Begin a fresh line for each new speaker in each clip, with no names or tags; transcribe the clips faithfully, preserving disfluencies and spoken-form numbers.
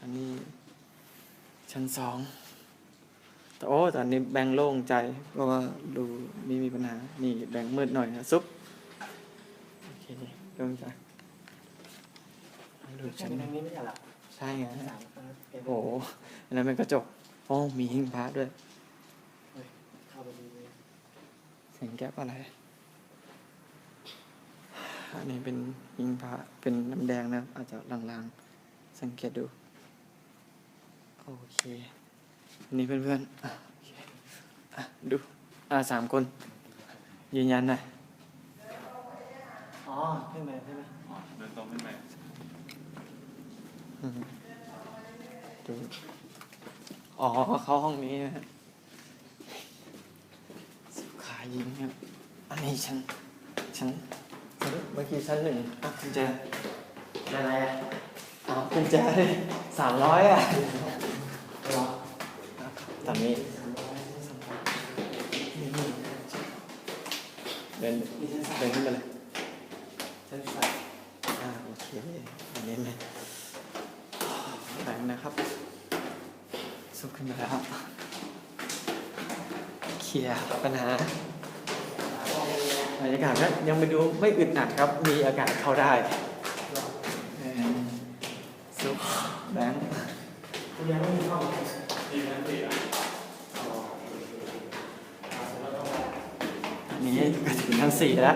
นนี้ชั้นสองแต่โอ้ตอนนี้แบงค์โล่งใจเพราะว่าดูไม่มีปัญหานี่แบงค์มืดหน่อยนะซุปโอเคโล่งใจดู
ใช่
ชั้น
ทางนี้ไม่ใช่หรอ
ใช่ไง
สามคน
โอ้โหอันนั้นเป็นกระจกโอ้มีหิ้งพระด้วย
เข้าไปดูเลย
เสียงแก๊ปอะไรอันนี้เป็นหิ้งพระเป็นน้ำแดงนะอาจจะลางๆสังเกตดูโอเคอันนี้เพื่อนๆอ่ะโอเคอ่ะดูอ่าสามคนยืนยันหน่อย
อ๋อขึ้นไปใช่ไหม
อ๋อเดินตรงขึ้นไป
อืมดูอ๋อเข้าห้องนี้นะฮะสุขายิงครับอันนี้ชั้นชั้นชั้นเมื่อกี้ชั้นหนึ่งอ่ะกุญแจ
อะไรอ่ะ
อ๋อกุญแจสามร้อยอ่ะตอนนี้เดินเดินขึ้นไปเลย
ฉันใส่
อ่าโอเคอันนี้เลยแบงค์นะครับสุกขึ้นมาแล้วเคลียร์ปัญหาบรรยากาศก็ยังไปดูไม่อึดอัดครับมีอากาศเข้าได้เออซุปแบงค์
คุณยังไม่มีห้อง
ที่นั่นสิอ่ะ
อันนี้ก็ถึงชั้นสี่แล้ว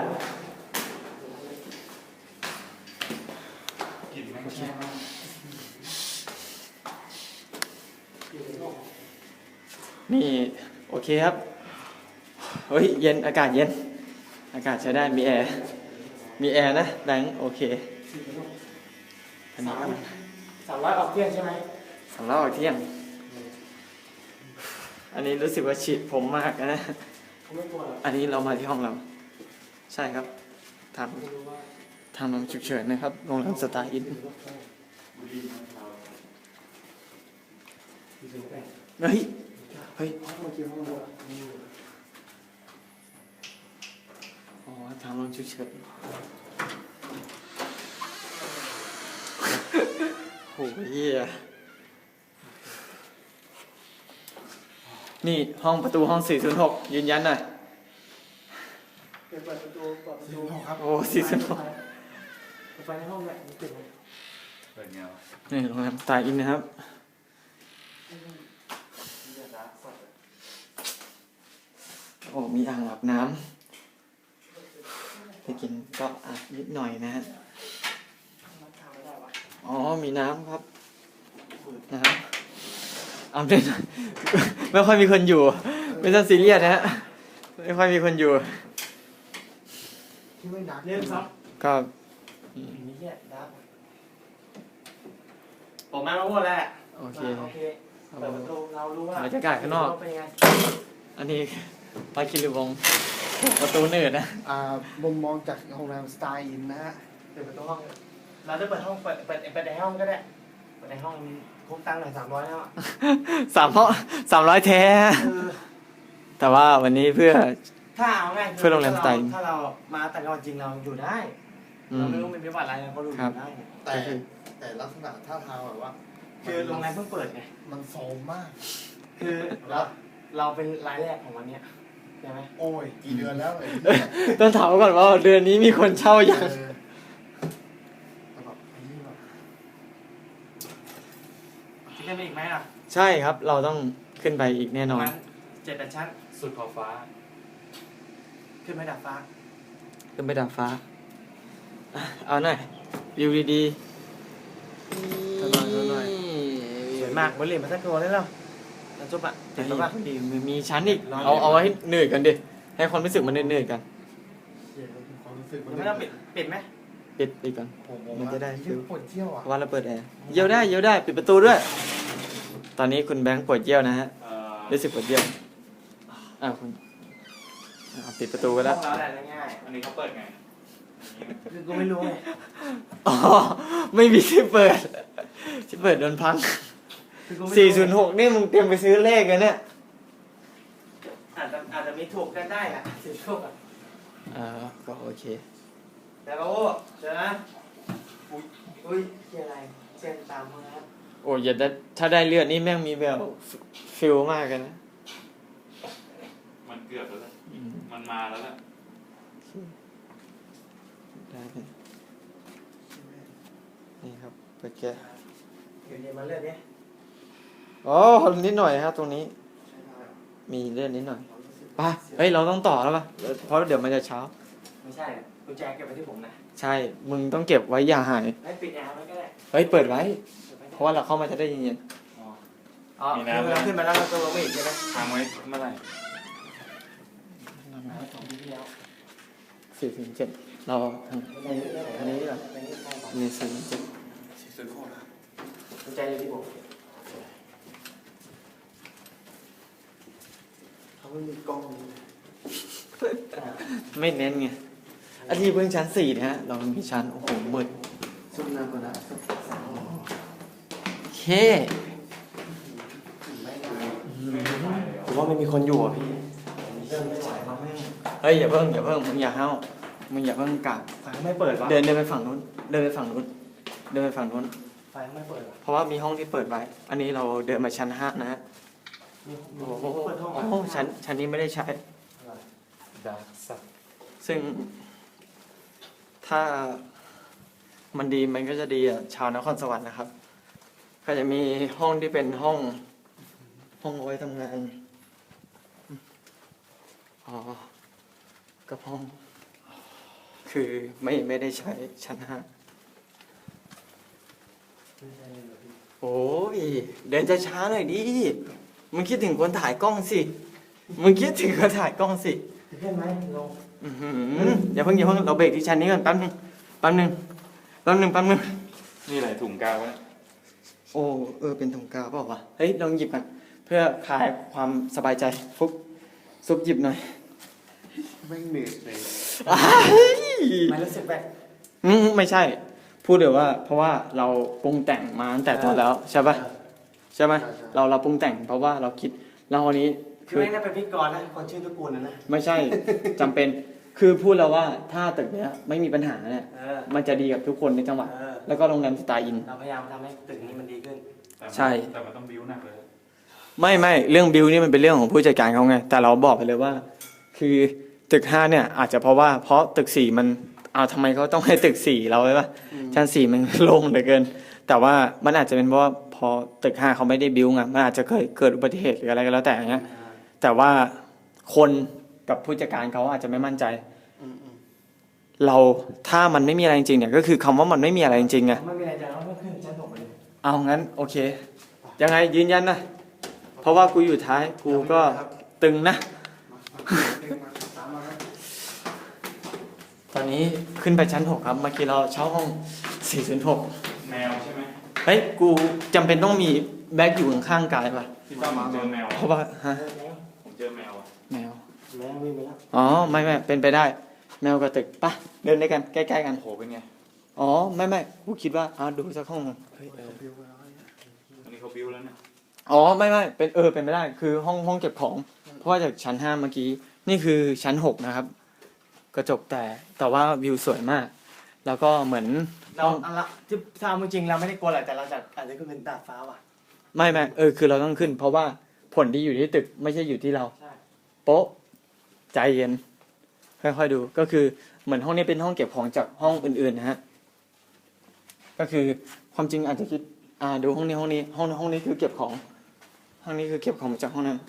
กลิ่นแม่งแช่มาก
นี่โอเคครับเฮ้ยเย็นอากาศเย็นอากาศใช้ได้มีแอร์มีแอร์นะแบงค์โอเคอันนี้ก็
สามร้อยออกเที่ยงใช่ไหม
สำหรับออกเที่ยงอันนี้รู้สึกว่าฉีดผมมากนะ
เขาไม่กลัวหรอ
อันนี้เรามาที่ห้องเราใช่ครับทาง
ไม่รู้ว่า
ทางโรงฉุกเฉินนะครับโรงแรมสตาร์อิน
บุรีมันเรา
อยู่ตรงไหน
เฮ้ยเฮ้ย
ห้องเมื่อกี้ห้องดูอ่ะ
อ๋อทางโรงฉุกเฉินโหเหี้ยนี่ห้องประตูห้องสี่ศูนย์หกยืนยันหน่อย
เปิดประตูเปิดประตู
โอ้สี่ศูนย์หก
ไฟในห้องเนี่ยมันติดไหม
เปิดเงา
นี่โรงแรมสไตล์อินนะครับ โอ้ มีอ่างอาบน้ำไปกินก็อาบนิดหน่อยนะฮะ อ๋อ มีน้ำครับ น้ำอาบเล่น ไม่ค่อยมีคนอยู่ ไม่ต้องซีเรียสนะฮะ ไม่ค่อยมีคนอยู่
ที่ไม่ดักเรื่องครับ
ก็
นี่แหละดักผมมาพูดแล้ว
โอเค
โอเคเปิดประตูเรารู้ว่า
บรรยากาศข้างนอก
เป็นยังไง
อันนี้ปาคิริวงศ์ประตูเนิร์ดนะ
อ่ามุมมองจากโรงแรมสไตล์อินนะฮะ
เปิดประตูห้อง เราจะเปิดห้องเปิดเปิดเปิดในห้องก็ได้เปิดในห้องคุ้มตังค์หน่อยสามร้อยแล้วอ่ะ
สามร้อยสามร้อยแท้
เออ
แต่ว่าวันนี้เพื่อ
ถ้าเอาง่ายคือ
เพื่อโรงแรมสไตล์
ถ้าเรามาแต่ก่อนจริงเราอยู่ได้
อื
เรา
ม
ไม่รู้มันเป็นวัดอะไรเราก็รู้อ
ครับ
ยู่ได้
แต่
ก็คือ
แต่ลักษณะท่าทางแบบว่า
คือโรงแรมเพิ่งเปิดไง
มันโซมมาก
คือเราเราเป็นรายแรกของวันเนี้ยใช่ไหม
โอ้ย กี่เดือนแล้วไอ้
เอ้ยต้องถามก่อนว่าเดือนนี้มีคนเช่ายัง
เออแต่แบบไอ้นี่แบบ
จะขึ้นไปอีกไหมล่ะ
ใช่ครับ เราต้องขึ้นไปอีกแน่นอน
ประมาณเจ็ดแปดชั้น
สุดขอบฟ้า
ขึ้นไปดับฟ้า
ขึ้นไปดาดฟ้าอ่ะเอาหน่อยวิวดีๆ
เท่าหน่อยเท่าหน่อย
สวยมากบนเหรียญมาสักตัวได้แล้วแล้วจบอ่ะ
เดี๋
เห็
ย
น
ว
ปะ
ดีมีชั้นอีก เอาเอาไว้ให้เหนื่อยกันดิ ให้ความรู้สึกมันเหนื่อยๆกัน
เดี๋ยวความรู้สึกมัน
ไม่ต้องปิดปิดไหม
ปิดปิดก่อน
ผมผม
มันจะได้
ฟิลปวดเที่ยวอ่ะ
เพราะว่าเราเปิดแอร์เยี่ยวได้เยี่ยวได้ปิดประตูด้วย ตอนนี้คุณแบงค์ปวดเยี่ยวนะฮะ
เอ่อ
รู้สึกปวดเยี่ยวอ่าคุณอ่าปิดประตูไปแล้ว
ห้องเราแหละง่าย
อันนี้เขาเปิดไง
ๆคือกูไม่รู้ไง
อ๋อ ไม่มีที่เปิด ที่เปิดโดนพัง
คือกูไม่รู้
สี่ศูนย์หกนี่มึงเตรียมไปซื้อเลขกันเนี่ย
อาจจะอาจจะมีถูกกันได้อ่ะสี่ถูกอ่ะ
อ่าก็โอเค
แต่เราเจอนะอุ้ยอุ้ยเชียอะไรเชียนตามมาครับ
โอ้ยอย่าได้ถ้าได้เลือดนี่แม่งมีแบบฟิลมากกันนะ
มันเกือบแล้วแหละ
อืม
มันมาแล้วแหละ
ได้เลยนี่ครับเปิดแกะ
เดี๋ยวเดี๋ยวมาเลือดเนี่ย
อ๋อนิดหน่อยครับตรงนี้
ใช้ได้เหรอ
มีเลือดนิดหน่อย
ความรู้สึก
ไป่ะเฮ้ยเราต้องต่อแล้วป่ะเพราะเดี๋ยวมันจะเช้า
ไม่ใช่กุญแจเก็บไว้ที่ผมนะ
ใช่ มึงต้องเก็บไว้อย่าหาย
ให้ปิดแอร์ไว้ก็ได้
เฮ้ยเปิดไว้
เปิดไว้
เพราะว่าเราเข้ามาจะได้เย็น
อ๋อ
อ๋อขึ้นมาแล้วขึ้นมาแล้วเราตัวลงไม่อีกใช่ไหม
ค้างไว้เมื่อไหร่
สองปีที่แล้ว
ๆสี่ถึงเจ็ดเราทาง
อันนี้
อันนี้เหรอ
อันนี้ใช่ป่ะ
มีสี่ถึงเจ็ด
สีสุดโคตรนะ
กุญแจอยู่ที่ผม
เขาไม่มีกล้องนี้
ไม่เน้นไงอันนี้เพิ่งชั้นสี่นะฮะ เรามีชั้นโอ้โหมืด
ซุปน้ำก่อนนะซุปสาม
โอเค
ผมว่าไม่มีคนอยู่อ่ะพี่เริ่มไม่ไหวแล้วแม่ง
เฮ้ยอย่าเพิ่งอย่าเพิ่งมึงอย่าเฮ้ามึงอย่าเพิ่งกลับ
ไฟไม่เปิดวะ
เดินเดินไปฝั่งนู้น เดินไปฝั่งนู้น เดินไปฝั่งนู้น
ไฟไม่เปิดวะ
เพราะว่ามีห้องที่เปิดไว้ อันนี้เราเดินมาชั้นห้านะฮะ
มีมี
โอ้โห
เปิดห้อง
โอ้โหชั้นชั้นนี้ไม่ได้ใช้
ดาร์กสัตว์
ซึ่ง ถ้ามันดีมันก็จะดีอ่ะชาวนครสวรรค์นะครับ ก็จะมีห้องที่เป็นห้อง ห้องเอาไว้ทำงานอ๋อกับห้อง คือไม่ไม่ได้ใช้ชั้นห้าโอ้ยเดินจะช้าหน่อยดิมึงคิดถึงคนถ่ายกล้องสิมึงคิดถึงคนถ่ายกล้องสิ
เพื่อนไหมลง
อื้อหืออย่าเพิ่งอย่าเพิ่งเราเบรกที่ชั้นนี้ก่อนแป๊บนึงแป๊บนึงแป๊บนึงแป๊บนึง
นี่อะไรถุงกาววะ
โอ้เออเป็นถุงกาวเปล่าวะเฮ้ยลองหยิบกันเพื่อคลายความสบายใจฟุกซุปหยิบหน่อย
ไม่เหนื่อยเลย
อ้าย
ไม่รู้สึกแบบ
อืมไม่ใช่ พูดเดี๋ยวว่า เพราะว่าเราปรุงแต่งมาตั้งแต่ตอนแล้วใช่ปะใช่ไหมเราเราปรุงแต่งเพราะว่าเราคิดเราอันนี้
คือไม่ได้เป็นพิธีกรนะคนชื่อตระกูลนะนะ
ไม่ใช่จำเป็นคือพูดแล้วว่าถ้าตึกเนี้ยไม่มีปัญหาเนี่ย
เออ
มันจะดีกับทุกคนในจังหวัด
เออ
แล้วก็โรงแรมสไตล์อิน
เราพยายามทำให้ตึกนี้มันดีขึ้น
แต่มัน
ใช่
แต่มันต้องบิ้วหนักเลย
ไม่ไม่เรื่องบิลนี่มันเป็นเรื่องของผู้จัดการเขาไงแต่เราบอกไปเลยว่า คือตึกห้าเนี่ยอาจจะเพราะว่าเพราะตึกสี่มันเอาทำไมเขาต้องให้ตึกสี่เราไว้ปะชั้นสี่มัน โล่งเหลือเกิน แต่ว่ามันอาจจะเป็นเพราะว่าพอตึกห้าเขาไม่ได้บิลไงมันอาจจะเคยเกิดอุบัติเหตุหรืออะไรก็แล้วแต่อย่างเงี้ยแต่ว่าคนกับผู้จัดการเขาอาจจะไม่มั่นใจ
อืมอืม
เราถ้ามันไม่มีอะไรจริงๆเนี่ยก็คือคำว่ามันไม่มีอะไรจริงๆไง
ไม่มีอะไรจะเราไม่ขึ้นชั้นหกเลย
เอางั้นโอเค ยังไงยืนยันนะเพราะว่ากูอยู่ท้ายกูก็ตึงนะ
มาตามมาครับ
ตอนนี้ขึ้นไปชั้นหกครับเมื่อกี้เราเช่าห้องสี่ศูนย์หก
แมวใช่ไหม
เฮ้ยกูจำเป็นต้องมีแบ็คอยู่ข้างๆกายป่ะ
พี่ต้อมผมเจอแมว
เพราะว่าฮะ
ผมเจอแมวอะ
แมว
แม่วิ่งไปแล้ว
อ๋อไม่ไม่เป็นไปได้ แมวกับตึกปะเดินด้วยกันใกล้ๆกัน
โอ้โหเป็นไง
อ๋อไม่ไม่กูคิดว่าอ่าดูสักห้องหนึ่งเฮ้ยเออ
บิวแล้วเนี่ย
อันนี้เขาบิ้วแล้วเนี่ย
อ๋อไม่ไม่เป็นเออเป็นไปได้คือห้องห้องเก็บของ เพราะว่าจากชั้นห้าเมื่อกี้นี่คือชั้นหกนะครับ กระจกแต่แต่ว่าวิวสวยมาก แล้วก็เหมือน
เราเอาละที่ถ้าเอาจริงๆเราไม่ได้กลัวแหละแต่เราจะอาจจะขึ้นเป็นดาดฟ้าว่ะ
ไม่ไม่เออคือเราต้องขึ้น เพราะว่าผลที่อยู่ที่ตึกไม่ใช่อยู่ที่เรา
ใช่
โป๊ะใจเย็น ค่อยๆดูก็คือเหมือนห้องนี้เป็นห้องเก็บของจากห้องอื่นๆนะฮะก็คือความจริงอาจจะคิดอ่าดูห้องนี้ห้องนี้ห้องห้องนี้คือเก็บของห้องนี้คือเก็บของมาจากห้องนั้น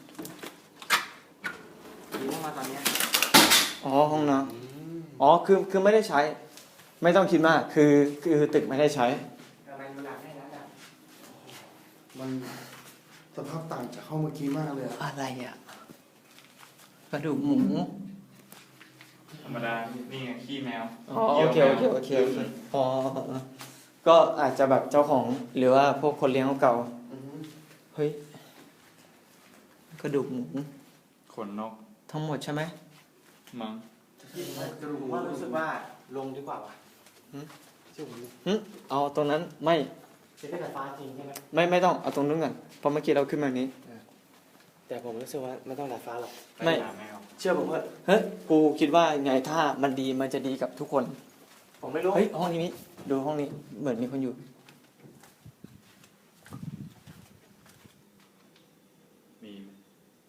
ดีมากตอนเนี้ย
อ๋อห้องน้ำอ๋อคือคือไม่ได้ใช้ ไม่ต้องคิดมากคือคือตึกไม่ได้ใช้
ทำไมมันหลักให้นะจ๊ะ
มันสภาพต่างจากห้องเมื่อกี้มากเลยอะ
อะไรอ่ะกระดูกหมู
ธรรมดา นี่ไงขี้แมว
อ๋อโอเคโอเคโอเคโอเคอ๋อก็อาจจะแบบเจ้าของหรือว่าพวกคนเลี้ยงเก่า
อืม
เฮ้ยกระดูกหมู
ขนนก
ทั้งหมดใช่ไหม
มั้ง
กระดูก
ผมว่ารู้สึกว่าลงดีกว่าว่ะ
หืม
เชื่อผมดิ
หึเอาตรงนั้นไม่
จะได้ดาดฟ้าจริงใช่ไหม
ไม่ไม่ต้องเอาตรงนู้นก่อนเพราะเมื่อกี้เราขึ้นมานี้
แต่ผมรู้สึกว่าไม่ต้องดาดฟ้าหรอก
ไม่
ปหาแมว
เชื่อผมเถอะ
เฮ้ยกูคิดว่าไงถ้ามันดีมันจะดีกับทุกคน
ผมไม่รู้
เฮ้ยห้องนี้ดูห้องนี้เหมือนมีคนอยู่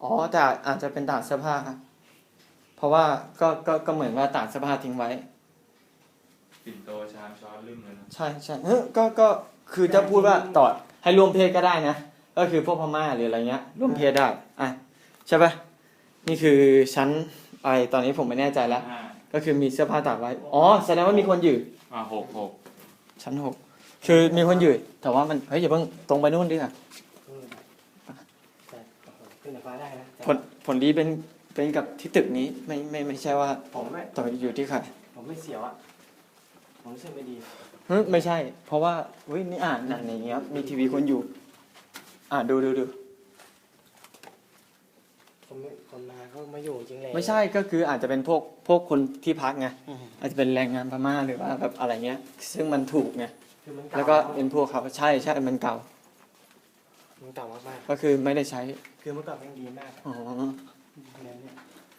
อ๋อแต่อาจจะเป็นตากเสื้อผ้าครับเพราะว่าก็ก็ก็เหมือนว่าตากเสื้อผ้าทิ้งไว้
ปิ่นโตชามช้อนลืมเลยนะ
ใช่ใช่เออก็ก็คือจะพูดว่าต่อให้ร่วมเพศก็ได้นะ ก็คือพวกพม่าหรืออะไรเงี้ยร่วมเพศได้อ่ะใช่ปะนี่คือชั้นอะไรตอนนี้ผมไม่แน่ใจแล้ว
ห้า
ก็คือมีเสื้อผ้าตากไว้อ๋อแสดงว่ามีคนอยู่
อ่าหกหก
ชั้นหกคือมีคนอยู่แต่ว่ามันเฮ้ยอย่าเพิ่งตรงไปนู่นดิค่ะ
แต่ขึ้นฟ้าได้นะ
ผลผลดีเป็นเป็นกับที่ตึกนี้ไม่ไม่ไม่ใช่ว่า
ผมไม่
ต่ออยู่ที่ใคร
ผมไม่เสียวอ่ะผมรู้สึกไม่ดี
เฮ้ยไม่ใช่ เพราะว่าเฮ้ยนี่อ่านนั่นอย่างเงี้ยมีทีวีคนอยู่ อ่าดูดูดู
คนไม่คนมาเขามาอยู่จริงเลย
ไม่ใช่ก็คืออาจจะเป็นพวกพวกคนที่พักไงอาจจะเป็นแรงงานพม่าหรือว่าแบบอะไรเงี้ย ซึ่งมันถูกไง
คือมันเก่า
แล้วก็เป็นพวกเขาใช่ใช่มันเก่า
มันเก่ามาก
ก็คือไม่ได้ใช้
ๆคือเมื่อก่อนมันดีมาก
อ๋อ
เนี่ยเนี่ย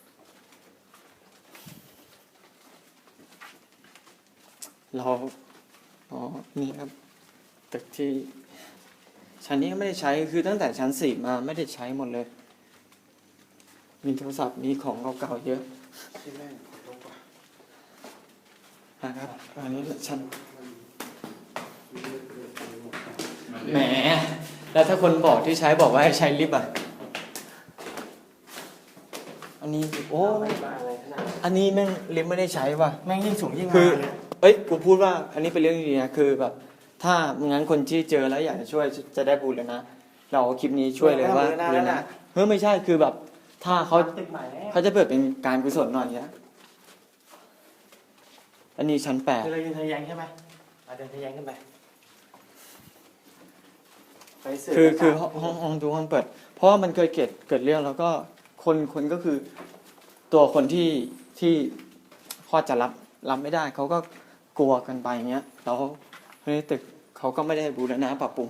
เราอ๋อนี่ครับตึกที่ชั้นนี้ก็ไม่ได้ใช้คือตั้งแต่ชั้นสี่มาไม่ได้ใช้หมดเลย มีโทรศัพท์มีของเก่าๆเยอะ
ที่แม่งลงกว่า
นะครับอันนี้ชั้น
มันเลือดเลือดไปหมด
มัน
แหมแล้วถ้าคนบอกที่ใช้บอกว่าให้ใช้ลิฟต์อ่ะอันนี้โอ้
ไม่มาอะไรขนาดนั้น
อันนี้แม่งลิฟต์ไม่ได้ใช้ว่ะ
แม่งยิ่งสูงยิ่ง
คื
มา
อ
เลย
เอ้ย กูพูดว่า อันนี้เป็นเรื่องดีนะ คือแบบ ถ้างั้นคนที่เจอแล้วอยากจะช่วยจะได้บุญเลยนะ เราเอาคลิปนี้ช่วยเลยว่า
ไม่
บุ
เอา
ญ
เลยนะ
นะเฮ้ยไม่ใช่ คือแบบ ถ้าเขา
ตึกใหม่แล้ว
เขาจะเปิดเป็นการกุศลหน่อยนะอันนี้ชั้นแปด
คือเรายืนทะแยงใช่ไหมอาเดินทะแยงขึ้นไปไปเสื
คือคือห้องห้องห้องทุกห้องเปิด เพราะว่ามันเคยเกิดเกิดเรื่องแล้วก็คนคนก็คือ ตัวคนที่ที่คลอดจะรับรับไม่ได้ เขาก็กลัวกันไปอย่างเงี้ย แล้วในตึกเขาก็ไม่ได้บูรณะปรับปรุง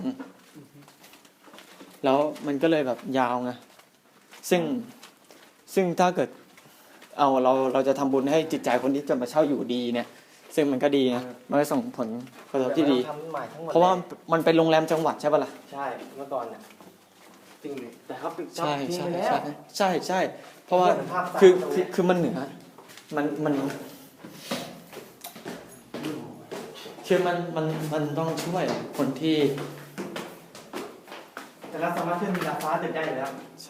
แล้วมันก็เลยแบบยาวไง ซึ่งซึ่งถ้าเกิดเอาเราเราจะทำบุญให้จิตใจคนที่จะมาเช่าอยู่ดีเนี่ย ซึ่งมันก็ดีนะมันก็ส่งผลกระทบที่ดี
ทำใหม่ทั้งหมด
เพราะว่ามันเป็นโรงแรมจังหวัดใช่ปะล่ะ
ใช่เมื่อก่อนน่ะจริงดิแต่เขาปิด
ใช่
ทิ้ง
ใช่
ไปแล้ว
ใช่ใช่ใช่เพราะว่า
เห็นภาพตาม
คือ
ตรง
คือ
เนี้ย
คือมันเหนือมันมันคือมันมันมันต้องช่วยคนที่
แต่เราสามารถขึ้นดาดฟ้าตึกได้อยู่แล้ว
ใช่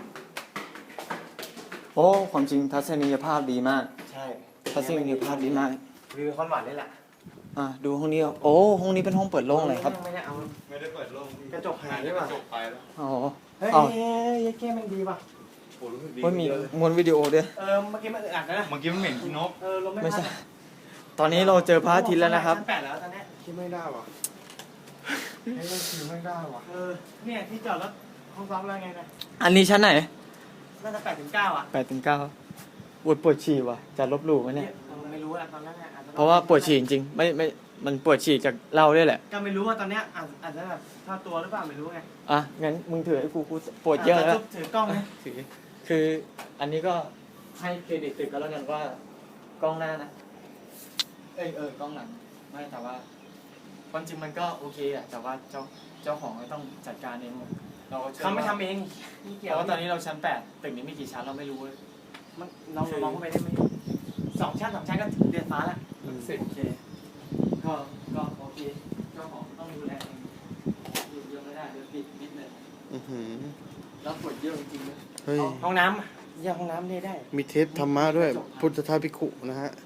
โอ้ความจริงทัศนียภาพดีมาก
ใช่
ทัศนียภาพดีมาก
วิวคอนหวานนี่แหละ
อ่ะดูห้องนี้โอ้ห้องนี้เป็นห้องเปิดโล่งเลยครับ
ไม่ได้เอา
ไม่ได้เปิดโล่ง
กระจกหายหรือเปล่า
กระจกไปแล้ว
อ๋อ
เฮ้ย
เอา
เฮ้ยยัยเก้มันดีป่ะ
โอ้รู้สึกดี
เฮ้ยมี
เยอะเลย
มวนวิดีโอด้วย
เออเมื่อกี้มันอึดอัดนะ
เมื่อกี้มันเหม็นขี้นก
เออลมไม่
ไม่
พัด
ใช่ ตอนนี้เราเจอพระอาทิตย์แล้วนะครับ
ชั้นแปดแล้วตอนเนี้ย
ที่ไม่ได้ว่ะให้มันคือไม่ได้ว่ะ
เออเนี่ยที่จอดรถห้องซ้อมแล้วไงนะ
อันนี้ชั้นไหน
น่าจะแปดถึงเก้าอ่ะ
แปดถึงเก้าปวดปวดฉี่ว่ะ จะลบหลู่ไหมเนี่ย
เออไม่รู้อะตอนนั้นอะอจจ
เพราะว่าปวดฉี่จริงๆไม่ไม่ มันปวดฉี่จากเหล้าด้วยแหละ
ก็ไม่รู้ว่าตอนเนี้ยอาจอาจจะแบบท่าตัวหรือเปล่าไม่รู้ไง
อ่ะ งั้นมึงถือให้กูกูปวดเยอะแล้ว
จถือกล้องไหม
ถือคืออันนี้ก็ให้เครดิตตึกก็แล้วกันว่ากล้องหน้านะ เอยเออกล้องหลัง ไม่แต่ว่าความจริงมันก็โอเคอะแต่ว่าเจ้าเจ้าของก็ต้องจัดการเองหมดเราก็ชื่อ
เขาไม่
ว่
ทำเองนี่
เพ
เกี่ยว
ราะว่าตอนนี้เราชั้นแปดตึกนี้มีกี่ชั้นเราไม่รู้เลย
มันเราลองเข้าไปได้ไหมสองชั้นสองชั้นก็เดือนฟ้าแล้ว
สิบโอเค ก็ก็โอเคเจ้าของต้องดูแลเองอยู่เยอะไม่ได้เดี๋ยวปิดนิดเลย
อือหือ
แล้วปวดเยอะจริงๆเลย
เฮ้ย
ห้องน้ำยังห้องน้ำได้ได้
มีเทปธรรมะด้วย พุทธทาสภิกขุนะฮะ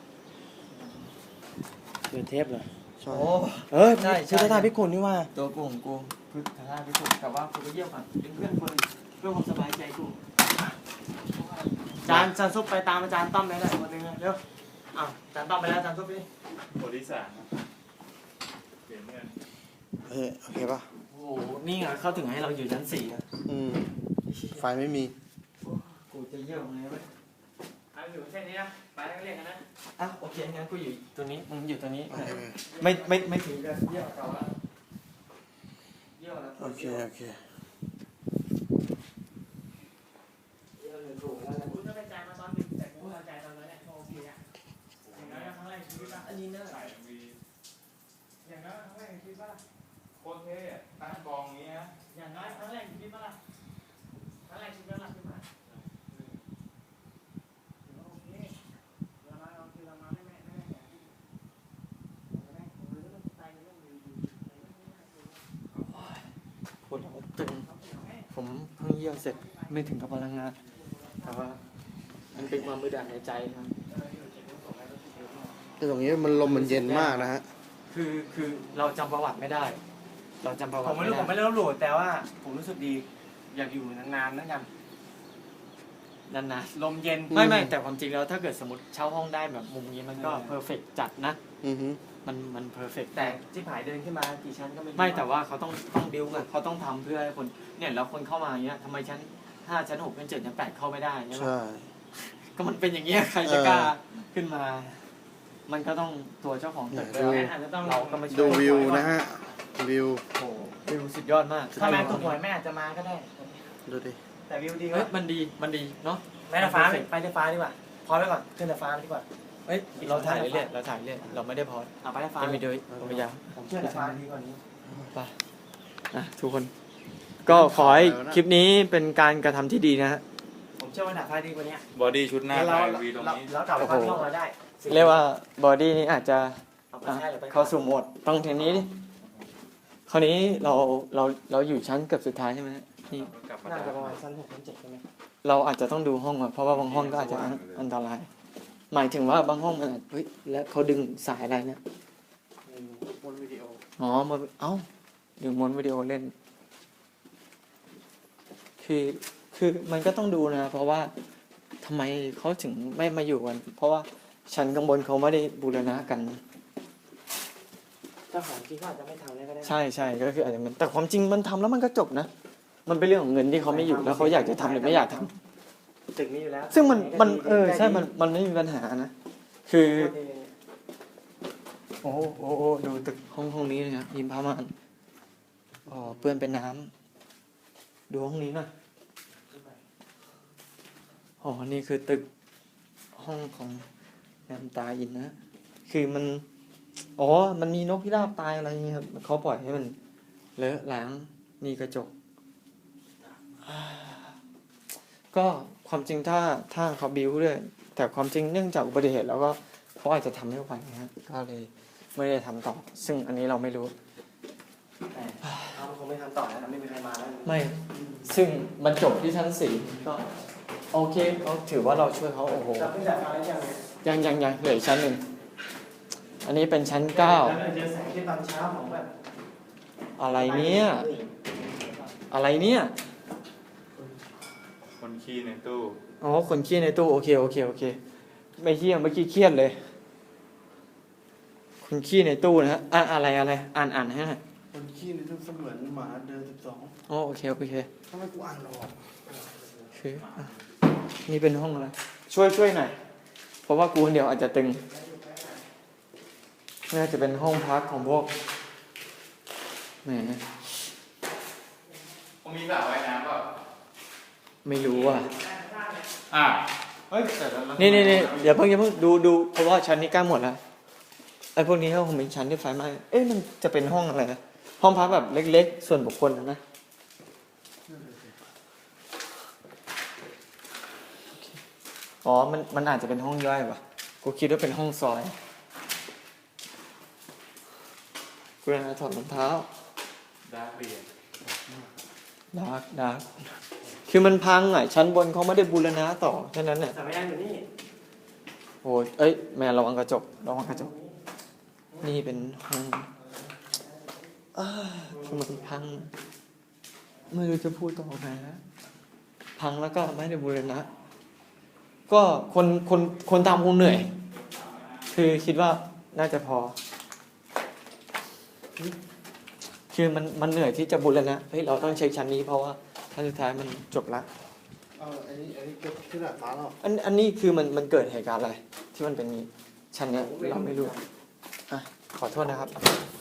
เดือนเทปเหรอ
ใช่
โอ้
เออ
ใช่ใช่
พุทธทาสพิคุณนี่ว่า
ตัวกูของกูพึ่งทาราพิสุทธิ์แต่ว่ากูไปเยี่ยมอ่ะเป็นเพื่อนคนเพื่อความสบายใจกู
จานจานซุปไปตามอาจารย์ต้อมได้เลยคนหนึงเลยเร็วอ้าวอาจารย์ต้อมไปแล้วอาจารย์ซุปนี่
โพธิสารนะเปลี่ยนเงิน
เฮ้ยโอเคป่ะ
โอ้โหนี่ไงเขาถึงให้เราอยู่ชั้นสี่อ่ะ
อืม ไฟไม่มี
กูจะเยี่ยมไงเว้ย
เอาอยู่เส้นนี้นะไปแล้วก็เรียกกันนะ
อ่ะโอเคงั้นกูอยู่ตัวนี้มึงอยู่ตัวนี้
โอเค
ไม่ไม่ไม่ถึงกับเยี่ยมแต่ว่าเยี่ยมแล้ว
โอเค โอเค
เยี่ยมเลยถูกแล้วนะ
คุณต้องไปจ่ายมาตอนหนึ่งแต่กูเอาจ่ายตอนนั้นแหละโอเคอะอย่างน้อยครั้งแรกในชีวิตป่ะ
อันนี้น่า
ใส่มี
อย่างน้อยครั้งแรกในชีวิตป่ะ
โคตรเท่อะตั้งกองอย่างนี้นะ
อย่างน้อยครั้งแรกในชีวิตป่ะล่ะครั้งแรกในชีวิตป่ะล่ะ
วดหัวตึงผมเพิ่งเยี่ยวเสร็จไม่ถึงกับพลังงานแต่ว่ามันเป็นความมืดอัดในใจครับ
แต่ตรงนี้มันลมมันเย็นมากนะฮะ
คือคือเราจำประวัติไม่ได้ เราจำประวั
ผ
ติ
มไม่รู้ผมไม่
ได้
ได้ลบหลู่แต่ว่าผมรู้สึกดี อยากอยู่นานๆนั่นกัน
นาน
ลมเย็น
ๆไม่ไม่แต่ความจริงแล้วถ้าเกิดสมมติเช่าห้องได้แบบมุมนี้มันก็เพอร์เฟกจัดนะ
อือฮึ
มันมันเพอร์เฟก
แต่ที่ผายเดินขึ้นมากี่ชั้นก็ไม่รู้
ไม่แต่ว่าเขาต้องต้องบิวไงเขาต้องทำเพื่อให้คนเนี่ยแล้วคนเข้ามาอย่างเงี้ยทำไมชั้นห้าชั้นหกชั้นเจ็ดชั้นแปดเข้าไม่ได้ใช่ไหม
ใช่
ก็มันเป็นอย่างเงี้ยใครจะกล้าขึ้นมา มันก็ต้องตัวเจ้าของตึก
ดู
อาจจะต้อง
เราก็มาช่วย
ดูวิวนะฮะ วิว
โอ้โหวิวสุดยอดมาก
ถ้าแม่ถูกหวยแม่อาจจะมาก็ได้
ดูดิ
แต่วิวดี
เฮ้ย
วะ
มันดีมันดีเนาะ
แม่ไฟฟ้าไปไปไฟฟ้าดีกว่าพอไว้ก่อนขึ้นไฟฟ้าดีกว่า
เฮ้ยเราถ่ายเรื่อยๆเราถ่ายเรื่อยเราไม่ได้พอด
เอาไปไฟฟ้า
ยังมีด้วยผมพยายาม
ผมเชื่อไฟฟ้าดีกว่านี้
ไปนะทุกคน ก็ขอให้คลิปนี้เป็นการกระทำที่ดีนะฮะ
ผมเชื่อว่าไฟฟ้าดีกว่านี้
บอดี้ชุดหน้า
แล้วเรา
ถ่ายวีตรงนี้
เรากลับไปพักห้องเราได้
เรียกว่าบอดี้นี้อาจจะ
เอาไป
อ่ะ
ใช่หรือไป
เข้าสู่โหมดต้องทีนี้ดิคราวนี้เราเราเราอยู่ชั้นเกือบสุดท้ายใช่ไหมฮะนี่
กลับมา
น่า
ได้
จะประมาณชั้นหกชั้นเจ็ดใช่ไหม
เราอาจจะต้องดูห้องก่อนเพราะว่าบางห้องก็อาจจะอันอันตราย หมายถึงว่าบางห้องมันอาจเฮ้ยแล้วเขาดึงสายอะไรเนี่ย
บนวิดีโอ
อ๋อมาเอ้าดึงมวนวิดีโอเล่น คือคือมันก็ต้องดูนะ เพราะว่าทำไมเขาถึงไม่มาอยู่กัน เพราะว่าชั้นข้างบนเขาไม่ได้บูรณะกัน
เจ้าของจริงก็อาจจะไม่ทำแล้วก็ได้
ใช่ใช่ก็คืออาจจะมันแต่ความจริงมันทำแล้วมันก็จบนะ มันเป็นเรื่องของเงินที่เขาไม่อยู่แล้วเขาอยากจะทำหรือไม่อยากทำ
ตึกนี้อยู่แล้ว
ซึ่งมันมันเออใช่มันมันไม่มีปัญหานะ คือโอ้โหโอ้โหดูตึกห้องห้องนี้นะครับยิมพามานอ๋อเปื้อนเป็นน้ำดูห้องนี้หน่อยอ๋อนี่คือตึกห้องของแรมตาอินนะ คือมันอ๋อมันมีนกพิราบตายอะไรอย่างเงี้ยครับเขาปล่อยให้มันเลอะล้างนี่กระจก ก็ความจริงถ้าถ้าเขาบิ้วด้วยแต่ความจริงเนื่องจากอุบัติเหตุแล้วก็เขาอาจจะทำไม่ไหวนะฮะก็เลยไม่ได้ทำต่อ ซึ่งอันนี้เราไม่รู้
แต่เราคงไม่ทำต่อแล้วไม่มีใครมาแล้ว
ไม่ซึ่งมันจบที่ชั้นสี่ก็โอเคเขาถือว่าเราช่วยเขาโอ้โห
เราเพิ่งจะมาแล้วยังไง
ยังยังยังเหลืออกชั้นหนึ่งอันนี้เป็นชั้นเก้า
แล้วเจอแสงที่ตอนเช้าของแบบ
อะไรเนี่ยอะไรเนี่ย
คนขี้ในตู้
อ๋อคนขี้ในตู้โอเคโอเคโอเคไม่ขี้เมื่อกี้เครียดเลยคนขี้ในตู้นะฮะอ่ะอะไรอะไรอ่านอ่านให้หน่อย
คนขี้นี่ต้องเสมือนหมาเดินสิบสอง
อ๋อโอเคโอเค
ทำไมกูอ่านหรอก
คืออ่ะนี่เป็นห้องอะไรช่วยช่วยหน่อยเพราะว่ากูคนเดียวอาจจะตึงน่าจะเป็นห้องพักของพวกแหม
ผมมีสระว่ายน้ำเปล่า
ไม่รู้อ่ะ
อ่ะเฮ้ยแต่แล้ว
นี่นี่นี่อย่าเพิ่งอย่าเพิ่งดูดูเพราะว่าชั้นนี้ใกล้หมดแล้วไอ้พวกนี้เขาคงเป็นชั้นที่ไฟไหม้เอ๊ะมันจะเป็นห้องอะไรนะห้องพักแบบเล็กๆ ส่วนบุคคลนะนะอ๋อมันมันอาจจะเป็นห้องย่อยป่ะกูคิดว่าเป็นห้องซอยกูจะถอดรองเท้า
ดาร์กเบียร์
ดาร์กดาร์กคือมันพังอ่ะชั้นบนเขาไม่ได้บูรณะต่อแค่นั้นเนี่ย
แต่ไม่ได้อยู่นี่
โอ้ยเอ้ยแม่ระวังกระจกระวังกระจกนี่เป็นห้องอ้าคือมันพัง ไม่รู้จะพูดต่อไงนะพังแล้วก็ไม่ได้บูรณะก็คนคนคนทำคงเหนื่อย คือคิดว่าน่าจะพอ คือมันมันเหนื่อยที่จะบูรณะเฮ้ยเราต้องเช็คชั้นนี้เพราะว่าชั้นสุดท้ายมันจบละ
เอาอันนี้อันนี้เก็บขึ้นหน้าฟ้าแล้ว
อันอันนี้คือมันมันเกิดเหตุการณ์อะไร ที่มันเป็นนี้ชั้นเนี้ยเราไม่รู้อ่ะขอโทษนะครับ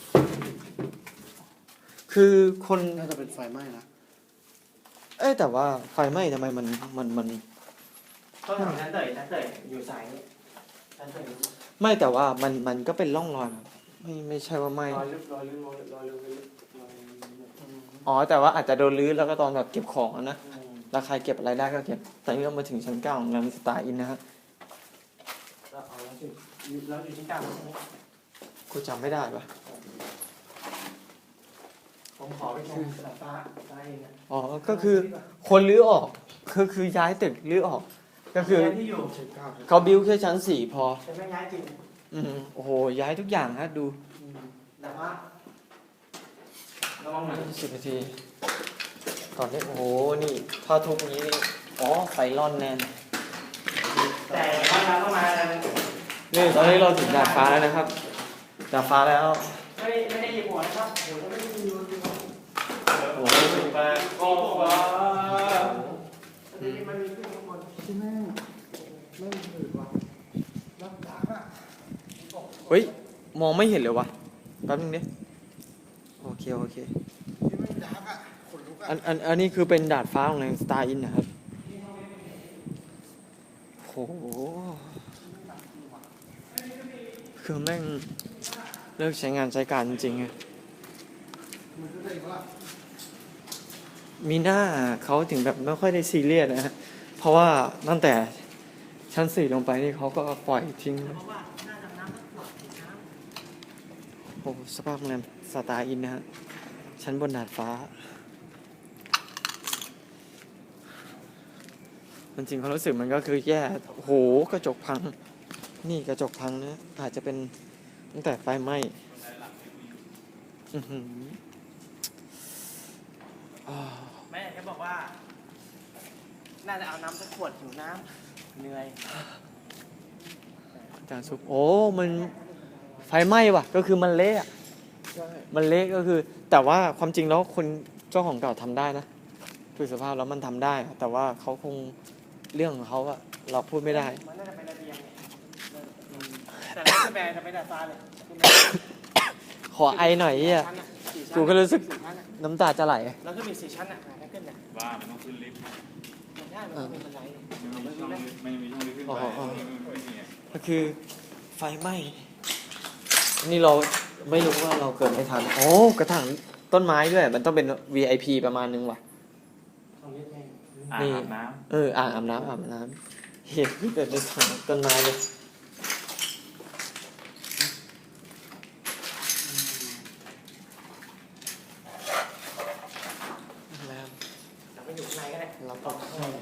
คือคน
น่าจะเป็นไฟไหม้นะ
เอ้ยแต่ว่าไฟไหม้ทำไมมันมันมัน
ต้องทำชั้นเตยชั้นเตยอยู่สายนี้ชั้นเตย
ไม่แต่ว่ามันมันก็เป็นร่องรอยนะไม่ไม่ใช่ว่าไหม้
รอยลึกรอยลึกรอยลึกรอยลึกรอยลึกรอยลึก
อ๋อแต่ว่าอาจจะโดนรื้อแล้วก็ตอนแบบเก็บของอะนะ
อืม
แล้วใครเก็บอะไรได้ก็เก็บแต่นี่เรามาถึงชั้นเก้าของแรมสตาร์อินนะฮะ
แล้วเอาแล้วสิแล้วอยู่ที่เก้าใช่ไหม
กูจำไม่ได้ปะ
ของขอไปชมดาดฟ้าได้เองนะ
อ๋อ ก็คือคนรื้อออกคือคือย้ายตึกรื้อออก ก็คือ
ย้ายที่อยู่
ชั้นเก้าครับ
เขาบิวแค่ชั้นสี่พอ
จะไม่ย้ายจริง
อืมโอ้โห ย้ายทุกอย่างฮะดู
ดาดฟ้าระวังหน่อย
สิบนาที ตอนนี้โอ้โห นี่ถ้าทุกนี้นี่อ๋อ ไฟร่อนแน่น
แต่ว่าเราต้องมา
นี่ตอนนี้เราถึงดาดฟ้าแล้วนะครับ ดาดฟ้าแล้ว
ไม่ได้ไม่ได้หยิบหัวนะครับโอ้โหไม่ได้ยินยูจริง
โอ้โห
แปดโอ้ว้า
มันมีขึ้นข้างบน
ที่แม่งแม่งหืดว่ะรับดักอ่ะ
เฮ้ย มองไม่เห็นเลยวะแป๊บนึงดิโอเค โอเค
ที่แม่งดักอ่ะขนลุกอ่ะ
อันอันอันนี้คือเป็นดาดฟ้าของแรงสตาร์อินนะครับโอ้โหคือแม่งเลิกใช้งานใช้การจริงๆอะ
มันก็เลยว่า
มีหน้าเขาถึงแบบไม่ค่อยได้ซีเรียสนะฮะเพราะว่าตั้งแต่ชั้นสี่ลงไปนี่เขาก็ปล่อยทิ้ง
เพราะว่าหน้าดำน้ำก็ปลอดติดน้ำ
โอ้โหสภาพโรงแรมสตาร์อินนะฮะชั้นบนดาดฟ้า มันจริงความรู้สึกมันก็คือแย่โอ้โหกระจกพัง นี่กระจกพังนะอาจจะเป็นตั้งแต่ไฟไหม้อื้อหืออ้าว
แม่แกบอกว่า น่าจะเอาน้ำสักขวดหิวน้ำเหนื่อย
อาจารย์ซุปโอ้มันไฟไหม้ว่ะ ก็คือมันเละอะ
ใช่
มันเละก็คือ แต่ว่าความจริงแล้วคนเจ้าของเก่าทำได้นะคือสภาพแล้วมันทำได้อะแต่ว่าเขาคงเรื่องของเขาอะเราพูดไม่ได้
มันน่าจะเป็นระเบียงเนี่ยแต่ไม่ใช่แบรนด์จะเป็นดาดฟ้าเลย
ขอไอหน่อยเฮีย กูก็รู้สึก น้ำตาจะไหล
แล้วก็มีสี่ชั้นอ่ะถ้าขึ้นเนี่ย
บ้ามันต้องขึ้นลิฟต์
มันได้มันเป็นบันได
ไม่มีช่องลิฟต์ไม่มีช่องลิฟต์ขึ้นไปไม่มีอ่ะ
ก็คือไฟไหม้ นี่เราไม่รู้ว่าเราเกิดไม่ทัน โอ้กระถางต้นไม้ด้วย มันต้องเป็น วี ไอ พี ประมาณนึงว่ะ
ตรงนี้แพง
อ่าง
นี่
อาบน้
เอออ่างอาบน้ำอาบน้ำเห็นเกิดในถังต้นไม้เลย แล้ว
แต่ไม่อยู่ข้างในก็ได้
เราก็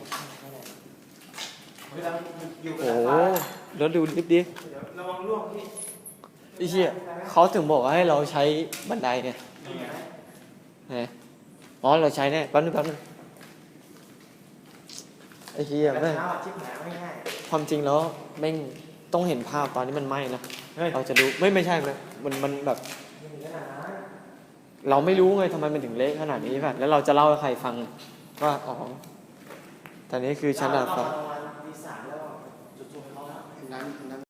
เวลาอยู่กับ
โอ้
ดาดฟ้า
แล้วดูลิฟต์ดิ
เดี๋ยวระวังร่วงพี่
ไอ้เหี้ยเขาถึงบอกว่าให้เราใช้บันไดเนี่ย
ำนี่ไง
ไหนอ๋อเราใช้แน่แป๊บนึงแป๊บนึงไอ้เหี้ย
กระ
แม่ง
เช้าชิบหายไม่ง่าย
ความจริงแล้วแม่งต้องเห็นภาพตอนที่มันไหม้นะ
เฮ้ย
เราจะดูไม่ไม่ใช่ไหมมันมันแบบ
ไม่มีขนาดนั้น
เราไม่รู้ไงทำไมมันถึงเละขนาดนี้แบบแล้วเราจะเล่าให้ใครฟังว่าอ๋อตอนนี้คือชั้นดาดฟ้า
เรประมาณตีสามแล้วจุดๆเขาแล้ว
นั้นนั้น